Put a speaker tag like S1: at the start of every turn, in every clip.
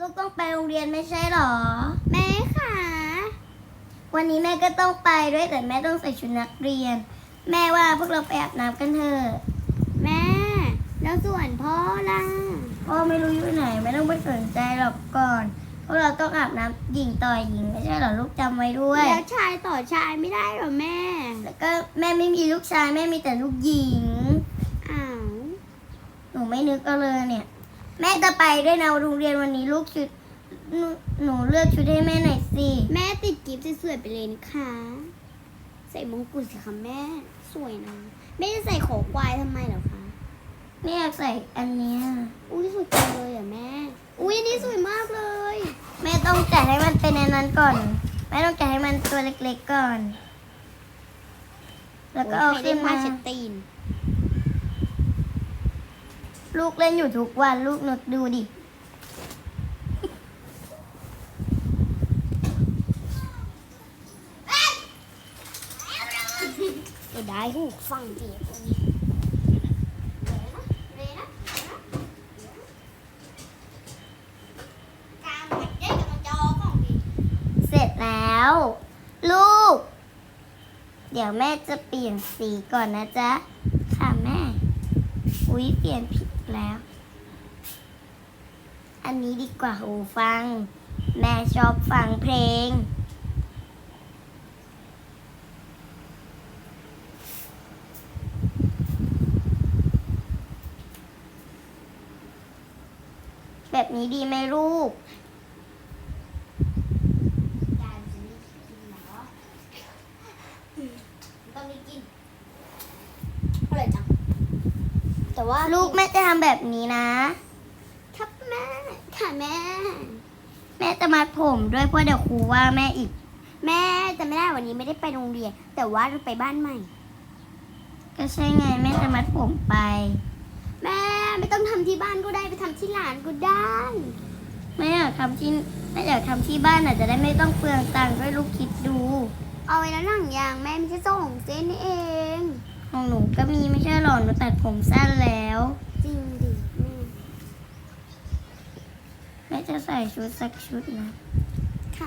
S1: กต้องไปโรงเรียนไม่ใช่หรอ
S2: แม่ค่ะ
S1: วันนี้แม่ก็ต้องไปด้วยแต่แม่ต้องใส่ชุดนักเรียน แม่ว่าพวกเราไปอาบน้ำกันเถอะ
S2: แม่แล้วส่วนพ่อล่ะ
S1: พ่อไม่รู้อยู่ไหนไม่ต้องไปสนใจหรอกก่อนพวกเราต้องอาบน้ำหญิงต่อหญิงไม่ใช่หรอลูกจำไว้ด้วย
S2: แล้วชายต่อชายไม่ได้เหรอแม่
S1: แล้วก็แม่ไม่มีลูกชายแม่มีแต่ลูกหญิง
S2: อ้าว
S1: หนูไม่นึกเอาเลยเนี่ย แม่จะไปด้วยนะโรงเรียนวันนี้ลูกชุดหนูเลือกชุดให้แม่หน่อยสิ
S2: แม่ติดกิฟต์สวยๆไปเลยนะคะใส่มงกุฎสิคะแม่สวยนะแม่จะใส่ขอควายทำไมเหรอคะ
S1: แม่อยากใส่อันเนี้ย
S2: อุ้ยสวยจังเลยอ่ะแม่ อุ้ยอันนี่สวยมากเลย
S1: แม่ต้องแกะให้มันเป็นอันนั้นก่อนแม่ต้องแกะให้มันตัวเล็กๆก่อน แล้วก็เอา
S2: โย
S1: ขึ้น
S2: ผ้
S1: มา
S2: เช็ดตีน
S1: ลูกเล่นอยู่ทุกวันลูกนึกดูดิ
S2: จะได้หูฟังดี
S1: เสร็จแล้ว ลูก เดี๋ยวแม่จะเปลี่ยนสีก่อนนะจ๊ะค่ะแม่ อุ๊ยเปลี่ยนผิดแล้ว อันนี้ดีกว่าหูฟัง แม่ชอบฟังเพลง แบบนี้ดีไหมลูก
S2: ต้องมีกินอร่อยจังแต่ว่า
S1: ลูกแม่จะทำแบบนี้นะ
S2: ครับแม่ค่ะแม่
S1: แม่จะมัดผมด้วยเพราะเดี๋ยวครูว่าแม่อีก
S2: แม่จะไม่ได้วันนี้ไม่ได้ไปโรงเรียน แต่ว่าจะไปบ้านใหม่
S1: ก็ใช่ไงแม่จะมัดผมไป
S2: แม่ไม่ต้องทำที่บ้านก็ได้ไปทำที่หลานก็ได้
S1: แม่อยากทำที่บ้านอาจจะได้ไม่ต้องเปลืองตังค์ด้วยลูกคิดดู
S2: เอาไว้แล้วหนังยางแม่มีแค่2 เส้นนี่เอง
S1: ของหนูก็มีไม่ใช่หรอหนูตัดผมสั้นแล้ว
S2: จริงดิแม่
S1: แม่จะใส่ชุดสักชุดนะ
S2: ค่ะ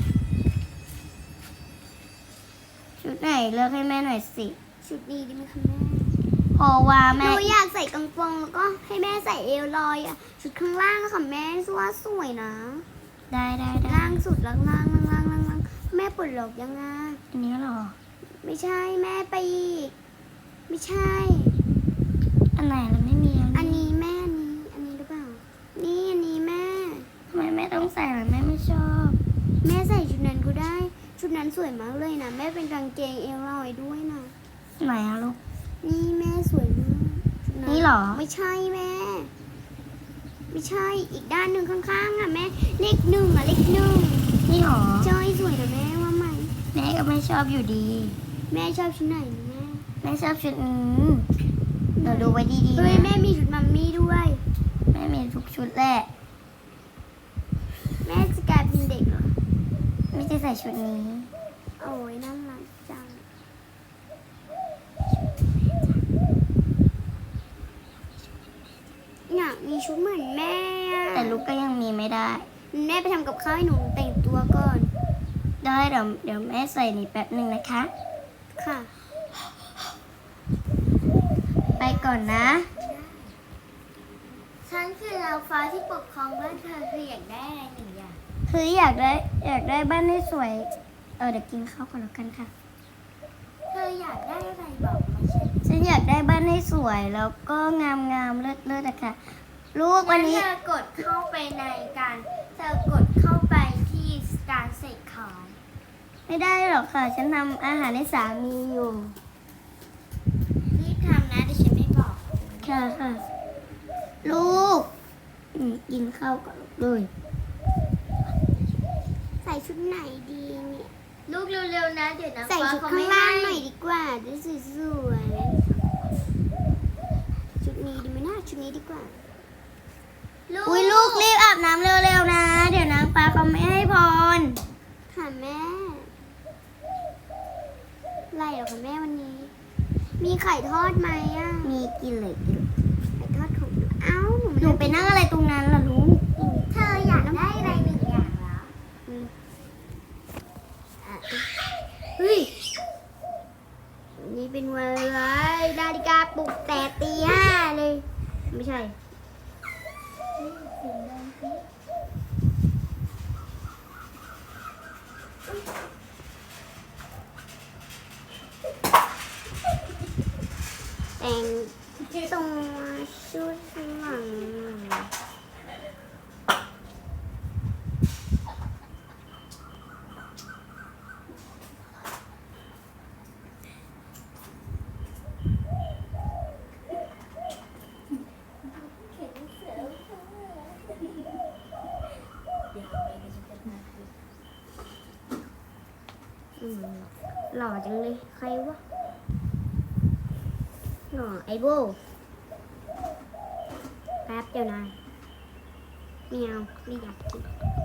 S1: ชุดไหนเลือกให้แม่หน่อยสิ
S2: ชุดนี้ดีไหมคะแม่
S1: เพราะว่า
S2: ห
S1: แม่
S2: นูอยากใส่กางเกงแล้วก็ให้แม่ใส่เอวลอยอ่ะชุดข้างล่างอะค่ะแม่ว่าสวยนะ
S1: ได้ได้
S2: ล่างสุดล่างแม่ปวดหลอกยังไง
S1: อันนี้หรอ
S2: ไม่ใช่แม่ไปอีกไม่ใช่
S1: อันไหนแล้วไม่มี
S2: อันนี้แม่อันนี้หรือเปล่า นี่อันนี้แม่
S1: ทำไมแม่ต้องใส่ล่ะแม่ไม่ชอบ
S2: แม่ใส่ชุดนั้นก็ได้ ชุดนั้นสวยมากเลยนะแม่เป็นกางเกงเอวลอยด้วยนะ
S1: ไหนอะลูก
S2: นี่แม่สวยมากชุด
S1: นี่เหรอ
S2: ไม่ใช่แม่ ไม่ใช่อีกด้านหนึ่งข้างๆอ่ะแม่เลข 1อ่ะเลข 1
S1: นี่หรอ
S2: ใช่สวยนะแม่ว่าไหม
S1: แม่ก็ไม่ชอบอยู่ดี
S2: แม่ชอบชุดไหนนะแม่
S1: แม่ชอบชุดนี้หนูดูไว้ดีๆ
S2: เฮ้ย
S1: นะ
S2: แม่มีชุดมัมมี่ด้วย
S1: แม่มีทุกชุดแหละ
S2: แม่จะกลายเป็นเด็กเหรอ
S1: ไม่จะใส่ชุดนี้
S2: โอ้ยน่ารักจังอยากมีชุดเหมือนแม่อะ
S1: แต่ลูกก็ยังมีไม่ได้
S2: แม่ไปทำกับข้าวให้หนูแต่งตัวก่อน
S1: ได้เดี๋ยวแม่ใส่นี่แป๊บหนึ่งนะคะ
S2: ค่ะ
S1: ไปก่อนนะ
S2: ฉันคือเราฟ้าที่ปกครองบ้านเธอคืออยากได้อะไรหนึ่งอย่าง
S1: คืออยากได้บ้านให้สวย เดี๋ยวกินข้าวก่อนแล้วกันค่ะ
S2: เธออยากได้อะไรบอกมาฉัน
S1: ฉันอยากได้บ้านให้สวยแล้วก็งามเลิศอะค่ะ ลูกวันนี้
S2: เธอกดเข้าไปในการเธอกดเข้าไปที่การเสกของ
S1: ไม่ได้หรอกค่ะ ฉันทำอาหารให้สามีอยู่
S2: รีบทำนะดิฉันไม่บอก
S1: ค่ะ ลูกกินข้าวก่อนเลย
S2: ใส่ชุดไหนดีเนี่ย
S3: ลูกเร็วๆนะเดี๋ยวนะ
S2: ใส่ชุด
S3: ฟ้
S2: ข้าง
S3: ไม่
S2: ล่าง
S3: ให้
S2: หน่อยดีกว่าจะสวยๆชุดนี้ดีไหมนะชุดนี้ดีกว่า
S1: อุ้ยลูกรีบอาบน้ำเร็วๆนะ เดี๋ยวนางฟ้าเขาไม่ให้พร
S2: ค่ะแม่ไรเหรอคะแม่วันนี้ มีไข่ทอดไหมอ่ะ
S1: มีกินเลย
S2: ไข่ทอดของเอ้า
S1: หนูไปนั่งอะไรตรงนั้นล่ะลูก
S2: เธออยากได้หล่อจังเลย ใครวะหล่อไอโบแป๊บเดียวนายไม่เอาไม่อยากกิน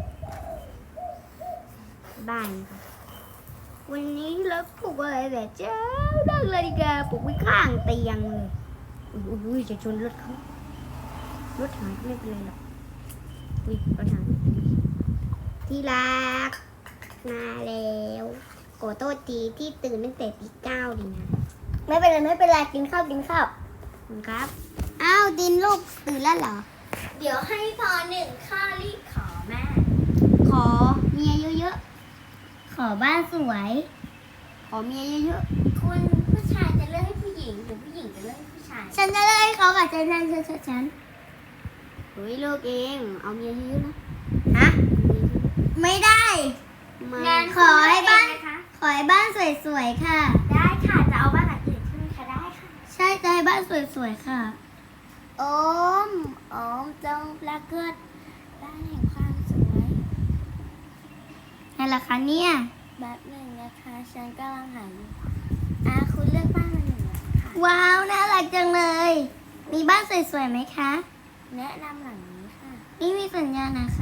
S2: บ้านค่ะวันนี้เราปลุกอะไรแต่เช้าดังเลยดีกว่าปลุกไว้ข้างเตียงเลยอุ้ยจะชนรถเขารถหายก็ไม่เป็นไรหรอกอุ้ยรถหายที่รักมาแล้วขอโทษทีที่ตื่นตั้งแต่ตี 9ดีนะ
S1: ไม่เป็นไรไม่เป็นไรกินข้าวกินข้าว
S2: ขอบคุณครับอ้าวดินลูกตื่นแล้วเหรอ
S3: เดี๋ยวให้พอหนึ่งข้อรีบขอแม่
S2: ขอเมียเยอะ
S1: ขอบ้านสวย
S2: ๆขอเมียเยอะ
S3: คุณผู้ชายจะเลือกให้ผู้หญิงหรือผู้หญิงจะเลือกให้ผู้ชาย
S1: ฉันจะเลิกให้เขากับฉัน
S2: ๆเฮ้ยเลิกเองเอาเมียเยอะๆนะ
S1: ฮะไม่ได้
S2: มา
S3: งั้น
S1: ขอให้บ้าน
S3: คุณเลือกเองนะคะ
S1: ขอให้บ้านสวยๆค่ะ
S3: ได้ค่ะจะเอาบ้านหลังอื่นใช่ไหมคะได้ค่ะ
S1: ใช่จะให้บ้านสวยๆค่ะ
S3: โอมจงปรากฏบ้านแห่งความสวย
S1: ให้ราคาเนี่ย
S3: แบบหนึ่งนะคะฉันกำลังหาอยู่คุณเลือกบ้านมาหนึ่งหลังค่ะ
S1: ว้าวน่ารักจังเลย มีบ้านสวยๆไหมคะ
S3: แนะนำหลังนี้ค่ะ
S1: นี่มีสัญญาณนะคะ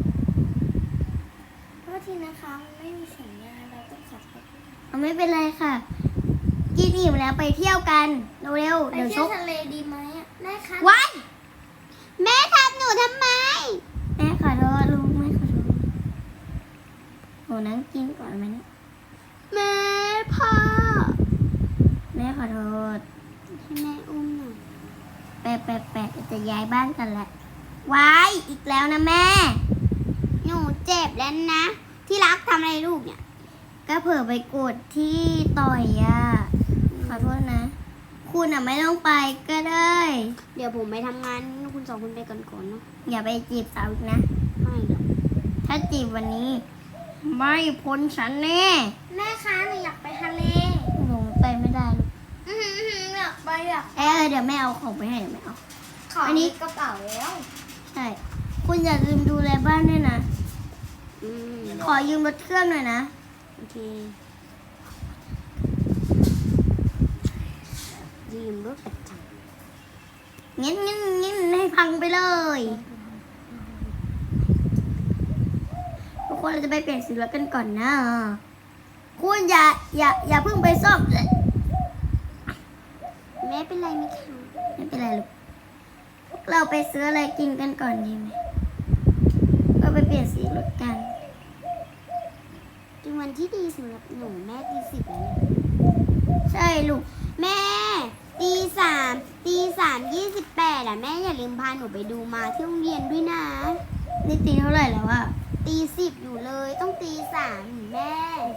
S3: โทษทีนะคะมันไม่มีสัญญาณเราต้องขอโทษด้วย
S1: เอาไม่เป็นไรค่ะ กินอิ่มแล้วไปเที่ยวกันเร็วๆ
S3: ไป
S1: เดี๋ยวช
S3: เที่ยว
S1: ก
S3: ทะเลดีไหมอะได้ค่ะ
S1: ว้าย
S2: แม่ทำหนูทำไม
S1: แม่ขอโทษลูกแม่ขอโทษโหนั่งกินก่อนไหมเนี่ย
S2: แม่พ่อ
S1: แม่ขอโทษ
S2: ให้แม่อุ้มหน่อย
S1: แปะจะย้ายบ้านกันแหละว้ายอีกแล้วนะแม่
S2: หนูเจ็บแล้วนะ ที่รักทำอะไรลูกเนี่ย
S1: ก็เผื่อไปกดที่ต่อยอ่ะ ขอโทษนะ คุณอ่ะไม่ต้องไปก็ได้
S2: เดี๋ยวผมไปทำงานคุณสองคนไปก่อนๆเนาะ
S1: อย่าไปจีบสาวอีกนะ
S2: ไม่หรอก
S1: ถ้าจีบวันนี้ ไม่พ้นฉันแน่
S3: แม่คะหนูอยากไปทะเล
S1: หนูไปไม่ได้ลูก
S3: อยากไปอยาก
S1: เดี๋ยวแม่เอาของไปให้เดี๋ยวแม่เอา
S3: ขอ
S1: อั
S3: อั
S1: น
S3: น
S1: นี้
S3: นี้กระเป๋าแล้ว
S1: ใช่ คุณอย่าลืมดูแลบ้านด้วยนะ
S2: อืม
S1: ขอยืมรถเครื่องหน่อยนะ
S2: โอเคยืมรถประจ
S1: งั้นให้พังไปเลย ทุกคนเราจะไปเปลี่ยนสีรถกันก่อนนะ คุณอย่าเพิ่งไปซ่อม
S2: ำแม่เป็นไรไหมคะ
S1: ไม่เป็นไรลูกพวกเราไปซื้ออะไรกินกันก่อนดีไหมก็ไปเปลี่ยนสีรถกัน
S2: เป็นวันที่ดีสำหรับหนูแม่ตี 10แล้วเนี่ย
S1: ใช่ลูก
S2: แม่ตีสาม28อ่ะแม่อย่าลืมพาหนูไปดูมาที่โรงเรียนด้วยนะ
S1: นี่ตีเท่าไหร่แล้วอะ
S2: ตี 10อยู่เลยต้องตี 3แม่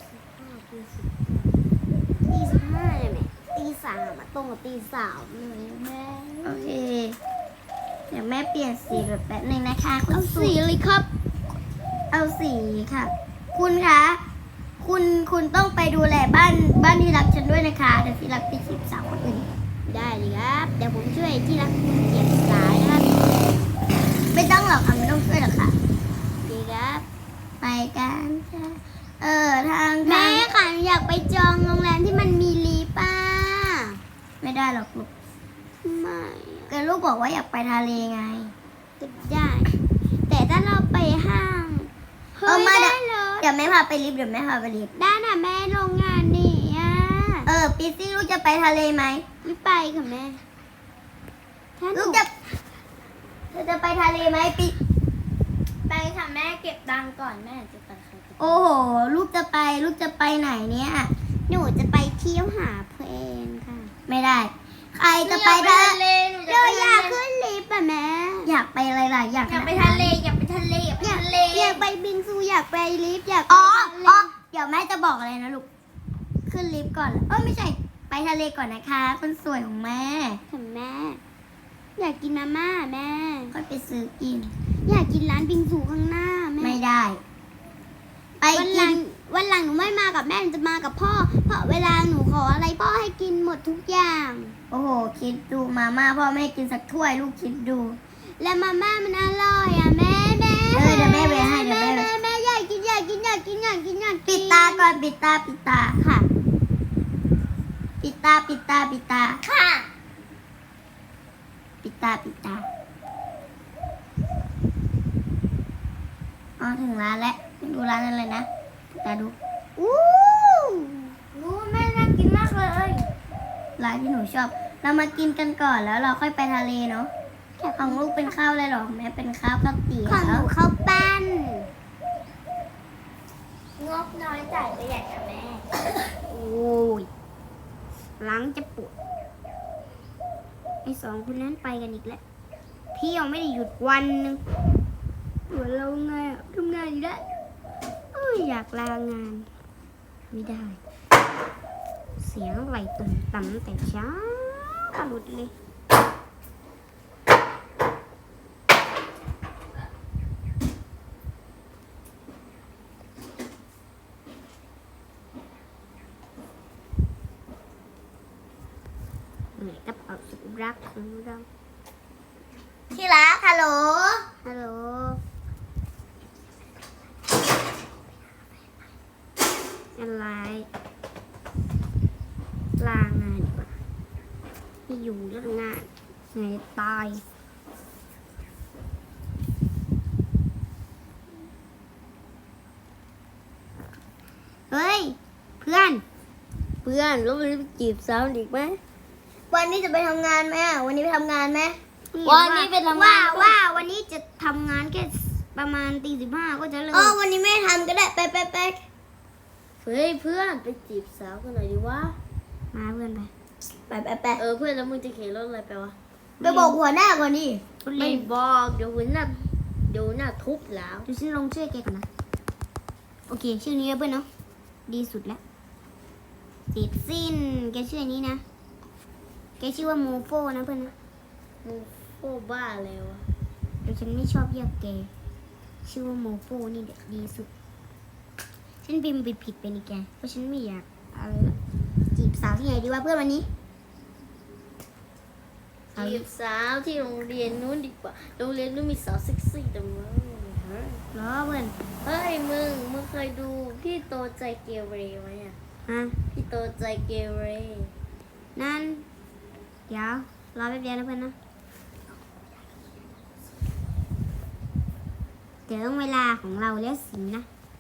S2: ตี15เลยแม่ตี 3อ่ะตรงกับตี 3เลยแม่
S1: โอเค เดี๋ยวแม่เปลี่ยนสีรถแป๊บหนึ่งนะคะคุณ
S2: เอา
S1: สุ
S2: สีเลยครับ
S1: เอาสีค่ะ คุณคะ คุณต้องไปดูแลบ้านที่รักฉันด้วยนะคะ เดี๋ยวที่รักไปจีบสาวคนอื่น
S2: ได้เลยครับ เดี๋ยวผมช่วยที่รักคุณเก็บสายนะครับ
S1: ไม่ต้องหรอกค่ะไม่ต้องช่วยหรอกค่ะ
S2: ดีครับ
S1: ไปกันค่ะ ทาง
S2: แม่ค่ะหนูอยากไปจองโรงแรมที่มันมีลิฟต์อ่ะ
S1: ไม่ได้หรอกลูก
S2: ทำไม
S1: ก็ลูกบอกว่าอยากไปทะเลไง
S2: จะได้ แต่ถ้าเราไปห้างเฮ้ย
S1: มา
S2: ได้เลย
S1: เดี๋ยวแม่พาไปลิฟต์เดี๋ยวแม่พาไปลิฟต์
S2: ได้น่ะแม่โรงงานนี่อ่ะ
S1: ปีซี่ลูกจะไปทะเลไหม
S2: ไม่ไปค่ะแม่ถ้าห
S1: ลู
S2: นู
S1: กเธอจะไปทะเลไหมปี
S3: ไปค่ะแม่เก็บตังค์ก่อนแม่จะไปใครไป
S1: โอ้โห ลูกจะไปไหนเนี่ย
S2: หนูจะไปเที่ยวหาเพลงค่ะ
S1: ไม่ได้ ใครจะไป
S3: ทะเลหนู
S2: เรา
S3: จะ
S2: อยากขึ้นลิฟต์อ่ะแม่
S1: อยากไปอะไรล่ะอยาก
S3: อยากไปทะเลอยากไปทะเลอยากไปทะเล
S2: อยากไปบิงซูอยากไปลิฟต์อยากไป
S1: อ๋อ
S2: ทะเล
S1: เดี๋ยวแม่จะบอกอะไรนะลูก ขึ้นลิฟต์ก่อนไม่ใช่ ไปทะเลก่อนนะคะคนสวยของแม่
S2: ค่ะแม่ อยากกินมาม่าแม่
S1: ค่อยไปซื้อกิน
S2: อยากกินร้านบิงซูข้างหน้าแม่
S1: ไม่ได้ ไป
S2: วันห
S1: กิ
S2: ลั
S1: น
S2: งวันหลังหนูไม่มากับแม่หนูจะมากับพ่อ เพราะเวลาหนูขออะไรพ่อให้กินหมดทุกอย่าง
S1: โอ้โห คิดดูมาม่าพ่อไม่ให้กินสักถ้วยลูกคิดดู
S2: และมาม่ามันอร่อยอ่ะแม่
S1: เดี๋ยวแม่ไปให้เดี๋ยวแม่ไป
S2: แม่อยากกินอยากกินอยากกินอยากกินอยากกิน
S1: ปิดตาก่อนปิดตา
S2: ค่ะ
S1: ตาปิดตาปิดตา
S3: ค่ะ
S1: ปิดตาปิดตาอ๋อถึงร้านแล้วดูร้านนั้นเลยนะปิดตาดู
S3: อู้รู้แม่น่ากินมากเลย
S1: ร้านที่หนูชอบ เรามากินกันก่อนแล้วเราค่อยไปทะเลเนาะของลูกเป็นข้าวอะไรหรอแม่เป็นข้าวข้าวเตี๋ยว
S3: ของหนูข้าวปั้นงบน้อยจ่ายประหยัดกับแม่
S2: โอ้ยหลังจะปวดไอ้สองคนนั้นไปกันอีกแล้วพี่ยังไม่ได้หยุดวันหนึงปวดเราไงอะทำงานอยู่ได้เอ้ยอยากลางาน ไม่ได้ เสียงไหลตุ่มต่ำแต่เช้าหลุดเลยเหนื่อยกับเอาสุดรักของเรา
S3: ที่รักฮัลโหล
S2: ฮัลโหลอะไรลางานดีกว่าไม่อยู่เรื่องงานไงตาย เฮ้ย เพื่อนแล้วมันไปจีบสาวอีกไหม
S1: วันนี้จะไปทำงานไหมอะวันนี้ไปทำงานไหม
S2: วั
S1: วันนี้ไปทำงาน
S2: ว่าวันนี้จะทำงานแค่ประมาณตี 15ก็จะเลิก
S1: อ๋อวันนี้ไม่ทำก็ได้ไป
S4: เฮ้ยเพื่อนไปจีบสาวกันหน่อยดิวะ
S2: มาเพื่อนไป
S1: ไป
S4: เออเพื่อนแล้วมึงจะเข็นรถอะไรไปวะ
S1: ไปบอกหัวหน้าก่อนดิ
S4: ไม่บอกเดี๋ยวหัวหน้าทุบแล้ว
S2: ดูฉันลงชื่อแกก่อนนะ โอเค ชื่อนี้เพื่อนเนาะดีสุดแล้วเสร็จสิ้นแกชื่อนี้นะ แกชื่อว่าโมโฟนะเพื่อนนะ
S4: มึงโคตรบ้าเลยวะ
S2: แต่ฉันไม่ชอบเรียกแก ชื่อว่าโมโฟนี่เด็ดดีสุด ฉันพิมพ์ผิดไปนี่แก เพราะฉันไม่อยากอะไรละจีบสาวที่ไหนดีวะเพื่อนวันนี้
S4: จีบสาวที่โรงเรียนนู้นดีกว่าโรงเรียนนู้นมีสาวเซ็กซี่แต่มึง
S2: ล้อเพื่อน
S4: เฮ้ยมึงเคยดูพี่โตใจเกเรไหมอ่ะ
S2: ฮะ
S4: พี่โตใจเกเร
S2: นั่น เดี๋ยวรอแป๊บเดียวนะเพื่อนนะ เดี๋ยวเวลาของเราแล้วสินะ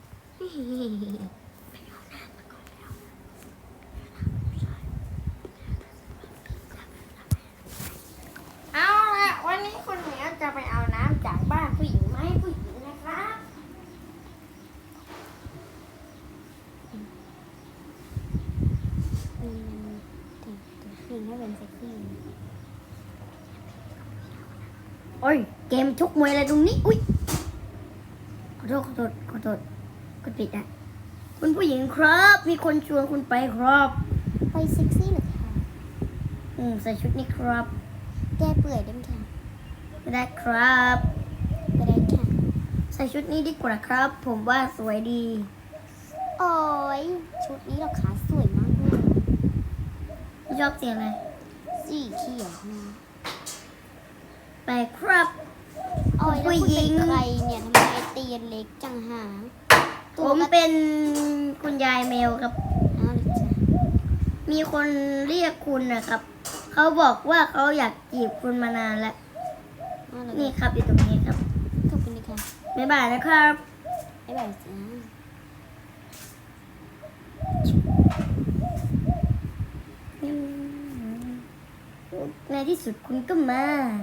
S3: เอาละวันนี้คุณเหมียวจะไปเอาน้ำจากบ้านผู้หญิงมาให้ผู้หญิงนะครับ
S2: แต่งให้เป็นเซ็กซี่
S1: โอ้ยเกมชกมวยอะไรตรงนี้ อุ้ยขอโทษกดปิดอ่ะคุณผู้หญิงครับ มีคนชวนคุณไปครับ
S2: ไปเซ็กซี่เหรอคะ
S1: ใส่ชุดนี้ครับ
S2: แก้เปื่อยได้ไหมคะ
S1: ไม่ได้ครับ
S2: ก็ได้ค่ะ
S1: ใส่ชุดนี้ดีกว่าครับ ผมว่าสวยดี
S2: โอ้ยชุดนี้เราขาสวยมากเลย
S1: ชอบเสียงอะไร
S2: สีเขียวนะ
S1: ไปครับ
S2: โอ้ยแล้วคุณเป็นใครเนี่ยทำไมเตียนเล็กจังหา
S1: ผมเป็นคุณยายแมวครับ
S2: อ้าวเหรอจ๊ะ
S1: มีคนเรียกคุณนะครับ เขาบอกว่าเขาอยากจีบคุณมานานแล้ว
S2: อ้าวเหรอ
S1: นี่ครับอยู่ตรงนี้ครับ
S2: ขอบคุณนะคะ
S1: บ๊ายบายนะครับ
S2: บ๊ายบายจ้า
S1: ในที่สุดคุณก็มา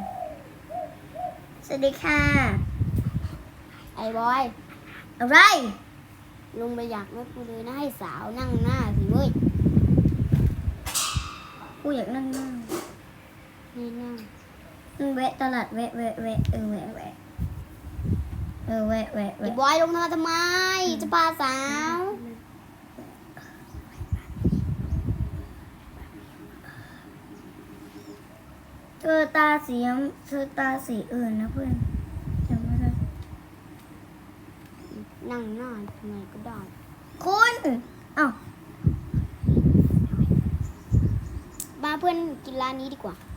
S1: สวัสดีค่ะ
S2: ไอ้บอย
S1: อะไร
S2: ลุงไปอยากรถกูเลยนะให้สาวนั่งหน้าสิเว้ย
S1: กูอยากนั่งนั่ง
S2: นี่นั่ง
S1: แวะตลาดแวะแวะแวะแวะแวะแวะแวะ
S2: ไอ้
S1: แวะ
S2: บอยลงมาทำไม จะพาสาว
S1: เธอตาสีอื่นนะเพื่อนจำไม่ได้
S2: นั่งหน้าทำไมก็ได้
S1: คุณอ้าว
S2: มาเพื่อนกินร้านนี้ดีกว่า